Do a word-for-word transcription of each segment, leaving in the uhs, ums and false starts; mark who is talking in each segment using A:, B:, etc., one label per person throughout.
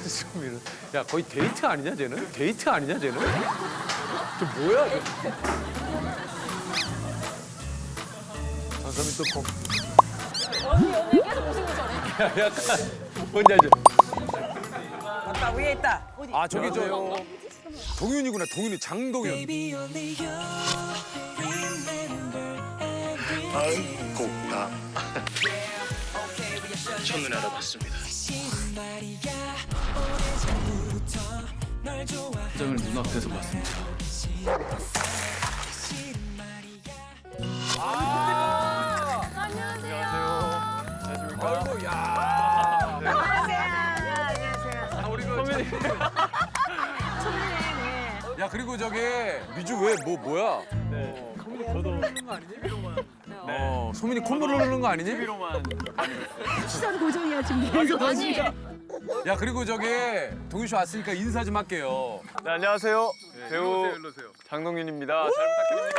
A: 소민은. 야, 거의 데이트 아니냐, 쟤는? 데이트 아니냐, 쟤는? 저 뭐야, 이거? 방금이 또 거.
B: 언니 언니 계속 웃음이 저래.
A: 야, 약간 뭔지 알죠?
C: 아까 위에 있다. 어디?
A: 아, 저기 저 동윤이구나, 동윤이 장동윤.
D: 곡다 첫눈에 알아봤습니다.
E: 장을 눈앞에서 봤습니다.
A: 아이고, 야.
C: 안녕하세요. 안녕하세요.
A: 아, 우리 그 소민이. 야, 그리고 저기 미주 왜 뭐 뭐야?
E: 네. 저도
A: 어, 소민이 콧물 흐르는 거 아니니?
E: TV로만
C: 시선 고정이야 지금. 계속.
B: 아니
A: 야, 그리고 저기 동윤 씨 왔으니까 인사 좀 할게요.
E: 네, 안녕하세요. 배우
A: 일로 오세요.
E: 장동윤입니다. 잘 부탁드립니다.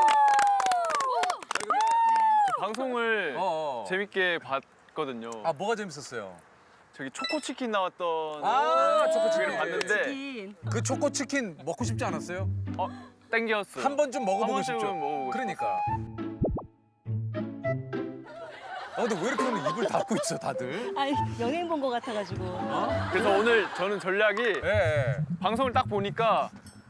E: 저 방송을
A: 어, 어.
E: 재밌게 봤거든요.
A: 아, 뭐가 재밌었어요?
E: 저기 초코치킨 나왔던
A: 아, 초코치킨.
E: TV를 봤는데
A: 그 초코 치킨 먹고 싶지 않았어요?
E: 어, 땡겼어요.
A: 한 번 좀 먹어보고
E: 한
A: 싶죠.
E: 번쯤은 먹어보고
A: 그러니까. 아, 근데 왜 이렇게 오늘 입을 닫고 있어, 다들?
B: 아니 연예인 본 거 같아가지고.
E: 그래서 오늘 저는 전략이
A: 예, 예.
E: 방송을 딱 보니까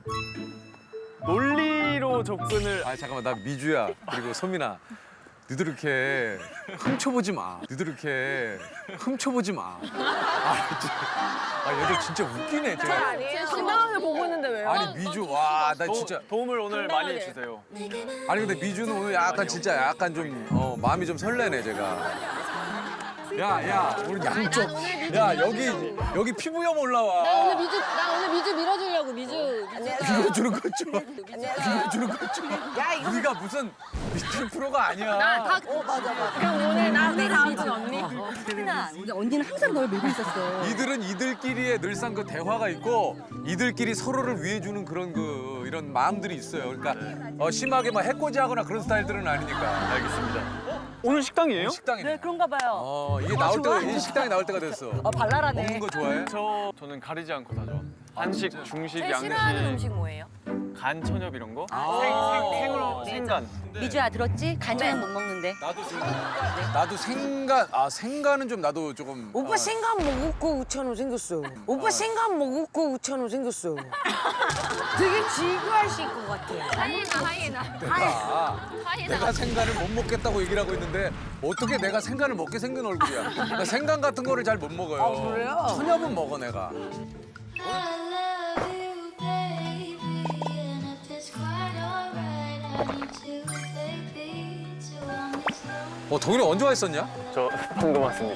E: 논리로 접근을
A: 아, 잠깐만, 나 미주야. 그리고 소민아. 너희들 이렇게 훔쳐보지 마. 너희들 이렇게 훔쳐보지 마. 아, 진짜. 아, 얘들 진짜 웃기네, 쟤.
B: 제가 신나하게 보고 있는데 왜요?
A: 아니, 미주, 와, 나
E: 도,
A: 진짜.
E: 도움을 오늘 많이
B: 당당하게.
E: 주세요.
A: 아니, 근데 미주는 오늘 약간 진짜 약간 좀, 어, 마음이 좀 설레네, 제가. 야, 야, 우리 양쪽. 야, 여기, 여기 피부염 올라와.
B: 나 오늘 미주 나 오늘 미주 밀어주려고 미주.
A: 밀어주는 거 좀. 밀어주는 거 좀.
C: 야 이거.
A: 우리가 무슨 미팅 프로가 아니야.
B: 다. 어 맞아 맞아. 그럼 오늘 나 오늘 미주 언니.
C: 희나, 언니는 항상 널 밀고 있었어.
A: 이들은 이들끼리의 늘상 그 대화가 있고 이들끼리 서로를 위해주는 그런 그 이런 마음들이 있어요. 그러니까 어, 심하게 막 해코지하거나 그런 스타일들은 아니니까.
E: 알겠습니다. 오늘 식당이에요?
A: 식당이네.
B: 네 그런가 봐요.
A: 어, 이게 나올 때가 이 식당이 나올 때가 됐어.
B: 어 발랄하네.
A: 먹는 거 좋아해?
E: 저 저는 가리지 않고 다 좋아. 한식, 중식,
B: 제일
E: 양식,
B: 싫어하는 음식 뭐예요?
E: 간 천엽 이런 거.
A: 아.
E: 생, 생, 생으로
B: 네.
E: 생간.
B: 미주야 들었지? 간장은 못 먹는데.
A: 나도 생간. 나도 생간. 아, 생간은 좀 나도 조금.
C: 오빠
A: 어.
C: 생각 먹고 우찬호 생겼어. 오빠 생각 먹고 우찬호 생겼어. 되게 지구하실 것 같아.
B: 하이에나 하이에나.
A: 내가, 내가 생간을 못 먹겠다고 얘기를 하고 있는데 어떻게 내가 생간을 먹게 생긴 얼굴이야. 나 생간 같은 거를 잘 못 먹어요.
C: 아, 그래요?
A: 천엽은 먹어, 내가.
F: I love you, baby, and if it's quite alright, I need you, baby, to want me slow.
A: 어, 동현이 언제 와 있었냐?
E: 저 방금 왔습니다.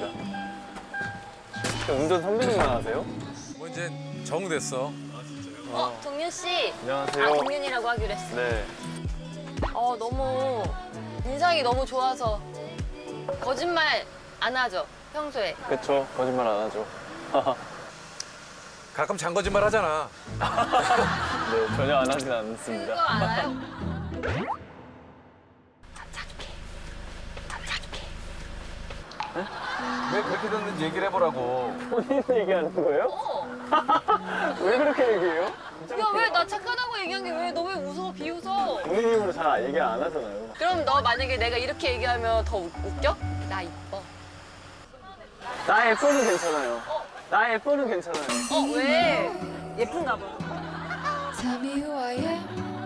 E: 운전 선배님만 하세요?
A: 뭐 이제 정됐어.
B: 어 동윤 씨.
E: 안녕하세요.
B: 아 동윤이라고 하기로 했어.
E: 네.
B: 어 너무 인상이 너무 좋아서 거짓말 안 하죠 평소에.
E: 그쵸. 거짓말 안 하죠.
A: 가끔 잔거짓말 하잖아.
E: 네, 전혀 안 하진
B: 그거
E: 않습니다.
B: 알아요? 착해. 착해.
A: 왜 그렇게 됐는지 얘기를 해보라고.
E: 본인 얘기하는 거예요?
B: 어.
E: 왜 그렇게 얘기해요?
B: 야 왜 나 착하다고 얘기한 게 왜 너 왜 웃어 비웃어?
E: 본인 입으로 잘 얘기 안 하잖아요.
B: 그럼 너 만약에 내가 이렇게 얘기하면 더 웃- 웃겨? 나 이뻐.
E: 나 예뻐도 괜찮아요. 나 예뻐도 괜찮아요.
B: 어 왜?
C: 예쁜가 봐.
F: Tell me who I am.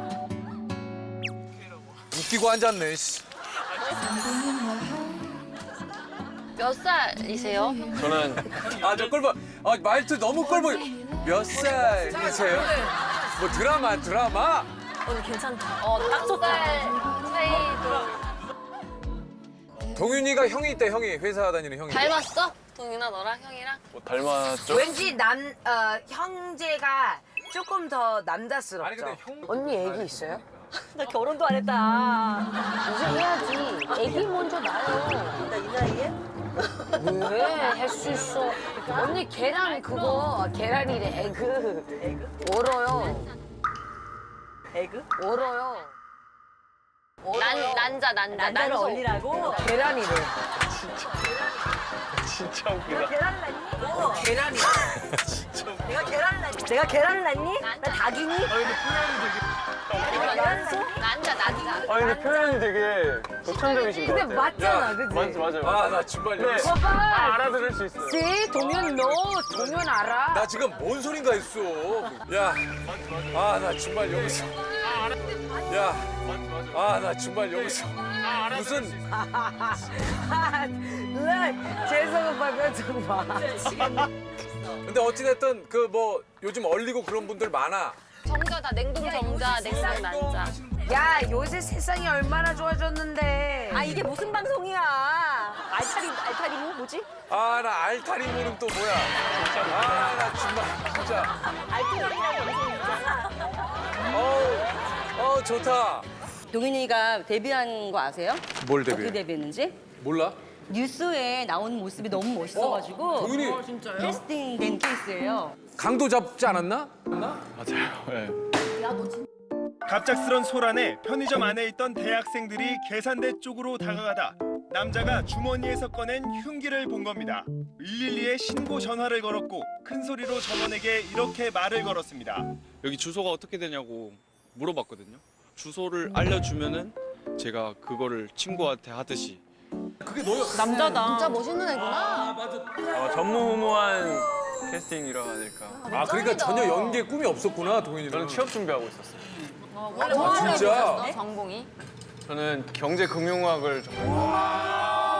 A: 웃기고 앉았네, 씨.
B: 몇 살이세요?
E: 저는
A: 아, 저 꼴보. 아, 말투 너무 꼴보. 몇 살이세요? 뭐 드라마, 드라마?
B: 오늘 괜찮다. 어딱 살 차이도
A: 동윤이가 형이 있다, 형이. 회사 다니는 형이.
B: 닮았어? 동윤아 너랑 형이랑?
E: 뭐 닮았죠?
C: 왠지 남 어, 형제가 조금 더 남자스럽죠.
A: 아니, 근데 형.
C: 언니 애기 있어요?
B: 나 결혼도 안 했다.
C: 이제 해야지. 애기 먼저 낳아요.
B: 나 이 나이에?
C: 왜? 할 수 있어. 언니 계란 그거 계란이래. 에그. 에그? 얼어요.
B: 에그?
C: 얼어요.
B: 난 난자 난자
C: 난자를
B: 난소.
C: 얼리라고? 계란이래.
E: 진짜 웃기다.
C: 계란이래.
G: 내가 계란을 낳니? 나 닭이니?
B: 난자 나디가.
E: 아 근데 표현이 되게 독창적이신 것
C: 근데
E: 같아요.
C: 맞잖아, 그치?
E: 맞, 맞아요.
A: 아 나 정말
E: 네.
A: 여기서
C: 봐봐.
E: 아, 알아들을 수 있어요.
C: 씨, 동현 너, 동현 알아?
A: 나 지금 뭔 소린가 했어. 야, 아 나 정말 여기서. 야, 아 나 정말 여기서 무슨
C: 누나, 재석 오빠 표정 봐.
A: 근데 어찌됐든 그 뭐 요즘 얼리고 그런 분들 많아.
B: 정자 다 냉동 정자, 냉동 난자.
C: 야, 요새 세상이 얼마나 좋아졌는데.
G: 아 이게 무슨 방송이야? 알타리 알타리모 뭐지?
A: 아 나 알타리모는 또 뭐야? 아 나 정말 진짜.
G: 알타리라는 방송이잖아.
A: 어우, 어 좋다.
H: 동윤이가 데뷔한 거 아세요?
A: 뭘
H: 어떻게
A: 데뷔해?
H: 데뷔했는지?
A: 몰라?
H: 뉴스에 나오는 모습이 너무 멋있어가지고
A: 동윤이
H: 캐스팅된 케이스예요.
A: 강도 잡지 않았나?
E: 맞아요. 네.
I: 갑작스런 소란에 편의점 안에 있던 대학생들이 계산대 쪽으로 다가가다 남자가 주머니에서 꺼낸 흉기를 본 겁니다. 일일이에 신고 전화를 걸었고 큰 소리로 전원에게 이렇게 말을 걸었습니다.
J: 여기 주소가 어떻게 되냐고 물어봤거든요. 주소를 알려주면은 제가 그거를 친구한테 하듯이
A: 그게 너야.
G: 남자다.
B: 진짜 멋있는 애구나.
E: 아마 전무후무한 캐스팅이라 아닐까.
A: 아 그러니까 전혀 연기에 꿈이 없었구나 동현이는.
E: 저는 취업 준비하고 있었어요.
B: 원래 뭐 하려고
A: 진짜?
B: 했었어? 전공이?
E: 저는 경제금융학을 전공.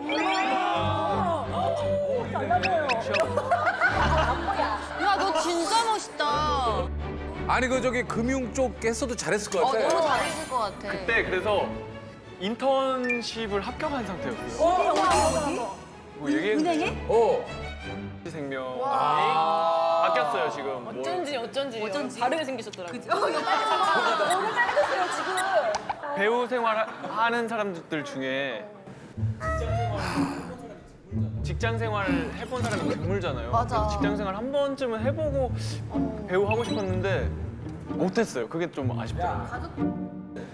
B: 야, 너 진짜 멋있다.
A: 아니 그 저기 금융 쪽 했어도 잘했을 것
B: 어,
A: 같아.
B: 너무 잘했을 것 같아.
E: 그때 그래서 인턴십을 합격한 상태였어요. 뭐 얘기해도 돼요?
A: 어.
E: 생명이
A: 아.
E: 바뀌었어요 지금. 뭐.
G: 어쩐지 어쩐지 어쩐지 다르게 생기셨더라고.
E: 배우 생활 하는 사람들 중에 직장 생활을 해본 사람이 드물잖아요.
B: 맞아.
E: 그래서 직장 생활 한 번쯤은 해보고 배우 하고 싶었는데 못했어요. 그게 좀 아쉽더라고요.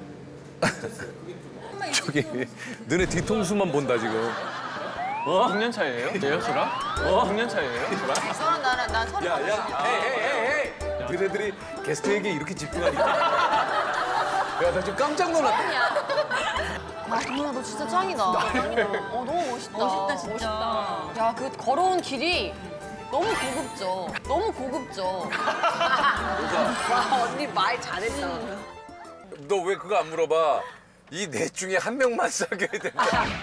A: 저기 너네 뒤통수만 본다 지금.
E: 어? 육 년 차이예요? 예요 저랑? 어? 육 년 차이예요 저랑?
B: 서른 나는 난 서른.
A: 야야, 헤이 헤이 헤이 헤이. 너네들이 게스트에게 이렇게 집중하니까. 야 나 지금 깜짝 놀랐다.
B: 아, 동현아, 너 진짜 짱이다. 짱이다. 어, 너무 멋있다. 멋있다, 진짜. 야, 그 걸어온 길이 너무 고급져. 너무 고급져.
C: 와, 언니 말 잘했다.
A: 너 왜 그거 안 물어봐? 이 넷 중에 한 명만 사귀어야 된다.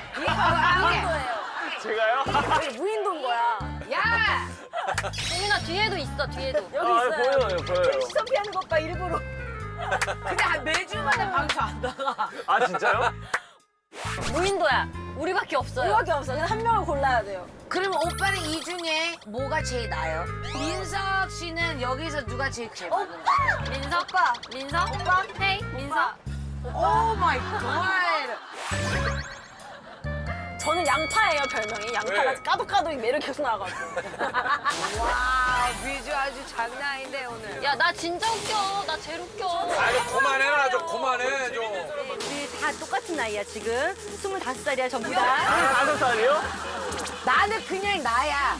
E: 제가요?
G: 무인도인 거야.
C: 야!
B: 동현아, 뒤에도 있어, 뒤에도.
G: 여기
E: 아,
G: 있어요.
E: 보여요, 보여요.
G: 시선 피하는 것 봐 일부러.
C: 근데 한 매주마다 방송 안 나가.
E: 아, 진짜요?
B: 무인도야. 우리밖에 없어요.
G: 우리밖에 없어. 그냥 한 명을 골라야 돼요.
C: 그럼 오빠는 이 중에 뭐가 제일 나아요? 민석 씨는 여기서 누가 제일 제일 많은 거예요?
B: 민석? 오빠. 민석? 오빠? 헤이, 민석?
C: 오 마이 갓!
G: 저는 양파예요 별명이. 양파가
A: 왜?
G: 까도 까도 매력이 계속 나와가지고.
C: 와, 비주 아주 장난 아닌데 오늘.
B: 야, 나 진짜 웃겨. 나 제일 웃겨.
A: 아좀 그만해라 좀 그만해 좀.
G: 우리 다 똑같은 나이야 지금. 스물다섯 살이야 전부 다.
E: 다섯 살이요?
C: 나는 그냥 나야.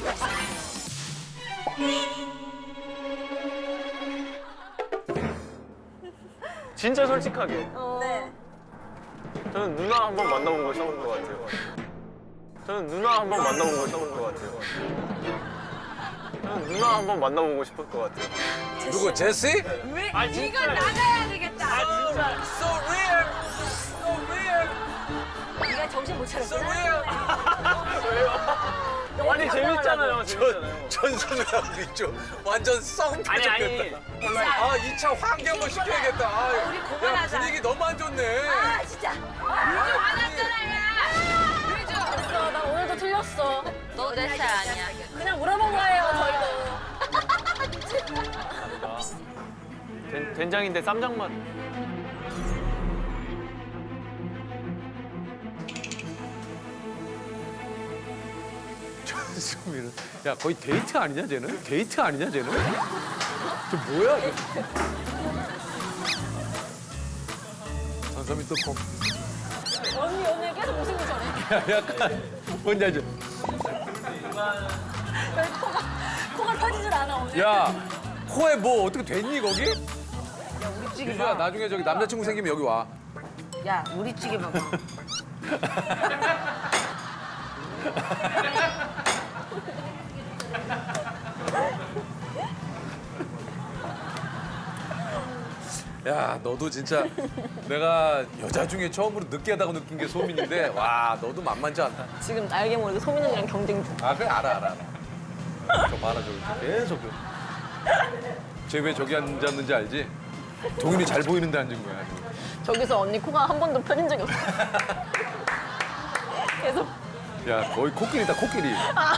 E: 진짜 솔직하게.
G: 네.
E: 저는 누나 한 번 만나보고 싶은 것 같아요. 저는 누나 한 번 만나보고 싶은 것 같아요. 저는 누나 한 번 만나보고 싶을 것 같아요.
A: 누구 제시?
E: 아, 진짜.
C: 나가야 되겠다.
E: 아, 진짜.
A: So real, so real,
G: 네가 정신 못
A: so
G: 차렸구나.
A: real.
E: 왜요? 아니, 재밌잖아요, 재밌잖아요.
A: 전선우랑 우리 좀 완전 썩
E: 아니, 아니.
A: 터졌겠다. 아 이 차 환기 한번 시켜야겠다. 아,
C: 우리
A: 야
C: 그만하자.
A: 분위기 너무 안 좋네.
G: 아 진짜.
C: 비주 화났잖아, 야. 비주.
G: 됐어. 나 오늘도 틀렸어.
B: 너 내 스타일 아니야.
G: 그냥 물어본 거예요 저희도.
E: 된, 된장인데 쌈장 맛.
A: 전소민은 야 거의 데이트 아니냐 쟤는? 데이트 아니냐 쟤는? 저 뭐야? 쟤? 전소민 또 거,
G: 언니 오늘 계속 웃음이 전해.
A: 야, 약간 뭔지 알죠?
G: 코가 코가 터지질 않아 오늘.
A: 야 코에 뭐 어떻게 됐니 거기?
C: 우리 찌개
A: 유주야
C: 봐.
A: 나중에 저기 남자친구 생기면 여기 와.
C: 야, 우리 찌개 봐봐.
A: 야 너도 진짜 내가 여자 중에 처음으로 느끼하다고 느낀 게 소민인데 와 너도 만만치 않다.
B: 지금 알게 모르게 소민 언니랑 경쟁 중.
A: 아 그래 알아 알아 알아. 저 봐라 저기 계속. 쟤 왜 저기 앉았는지 알지? 동윤이 잘 보이는데 앉은 거야. 지금.
B: 저기서 언니 코가 한 번도 펴진 적이 없어. 계속.
A: 야 거의 코끼리다 코끼리.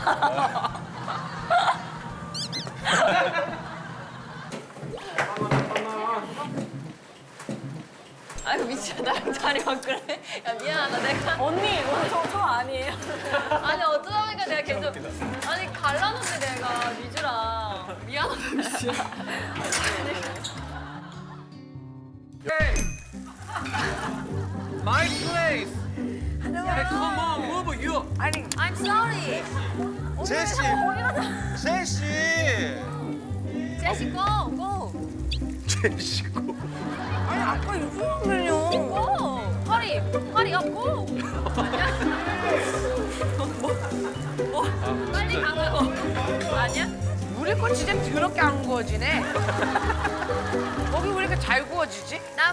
B: 아이고 미치야 나랑 자리 바꾸래. 야 미안하다 내가. 언니 오늘 저, 저 아니에요. 아니 어쩌다 보니까 내가 계속. 아니 갈라놓는데 내가 미주랑. 미안하다 미주야.
A: My place. Hey, come on, move you.
B: I'm sorry.
I: 제시, 제시.
B: 제시 go go.
A: 제시고.
B: 아니 아까 이거면요. go. 허리 허리 up go. 아니야? 뭐? 뭐? 빨리 가고. 아니야?
C: 우리 거 진짜 더럽게 안 구워지네. 거기 왜 이렇게 잘 구워지지?
B: 나